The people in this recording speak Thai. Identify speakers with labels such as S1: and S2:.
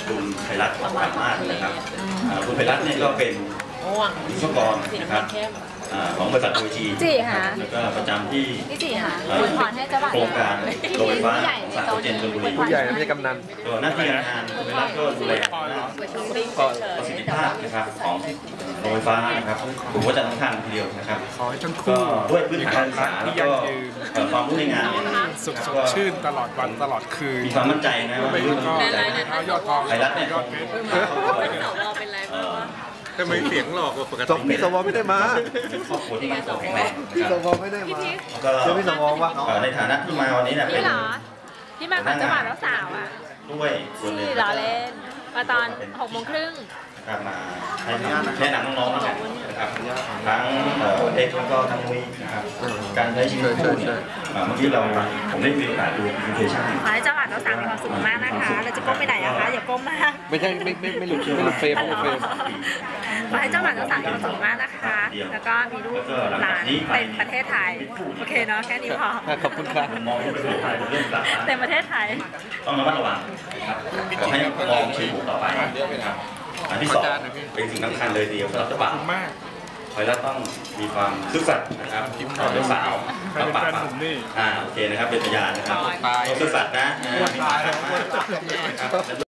S1: คุณไพรัตน์สามารถนะครับคุณไพรัตน์เนี่ยก็เป็นวิศวกรนะครับของบริษัทโอจีแล้วก็ประจำที่โครงการโรงไฟฟ้าของสาขาเจนชลบุรี
S2: ผู้ใหญ่ไม่ใช่กำนัน
S1: ก็หน้าที่การงานคุณไพรัตน์ก็ดูแลประสิทธิภาพนะครับของโรงไฟฟ้านะครับถือว่าจะสำคัญทีเดียวนะครับก็ด้วยพื้นฐานการศึกษาแล้วก็ความรู้ในงานเนี่ย
S3: สุขชื่นตลอดวันตลอดคืน
S1: มีความมั่นใจนะว่าเรื่องใจไพรัตน์เนี่ย
S3: ทำไมเสียงหลอกกว่าปกติ
S2: พี่สวไม่ได้มา
S1: ครอบครัวที่มั่นคงแข็งแรง
S2: พี่สวไม่ได้มาเจอพี่สวว่า
S1: ในฐานะที่มาวันนี้เนี่ยเป็น
S4: ที่มาของจังหวัดแล้วสาวอ่ะ
S1: ด้วยส่วนหนึ่ง
S4: ที่ล้อเล่นมาตอน6:30
S1: มาให้แนะนำน้องๆนะครับทั้งเด็กแล้วก็ทั้งมุ้ยนะครับการใช้ชีวิตคู่เนี่ยเมื่อกี้ผมได้มีโอกาสดูพรีเซนเทชั่น
S4: ขอให้จังหวัดแล้วสาวมีความสุขมากนะคะเราจะก้มไปไหนอะคะอย่าก้มมาก
S2: ไม่ใช่ไม่หลุดเฟรม
S4: ขอให้จังหวัดแล้วสาวมีความสุขมากนะคะแล้วก็มีลูกหลานเป็นประเทศไทยโอเคเนาะแค่นี้พอ
S2: ขอบคุณครับ
S1: มองประเทศไทยเรื่องต่างๆ
S4: เต็มประเทศไทย
S1: ต้องระมัดระวังนะครับขอให้มองชีวิตต่อไปนะครับอันที่สองเป็นสิ่งสำคัญเลยเดียวสำหรับเจ้าบ่าวไพรัตน์ต้องมีความซื่อสัตย์นะครับต่อเจ้าสาว
S3: เป็นแฟนหนุ่มนี่
S1: โอเคนะครับเป็นพยานนะครับซื่อสัตย์นะ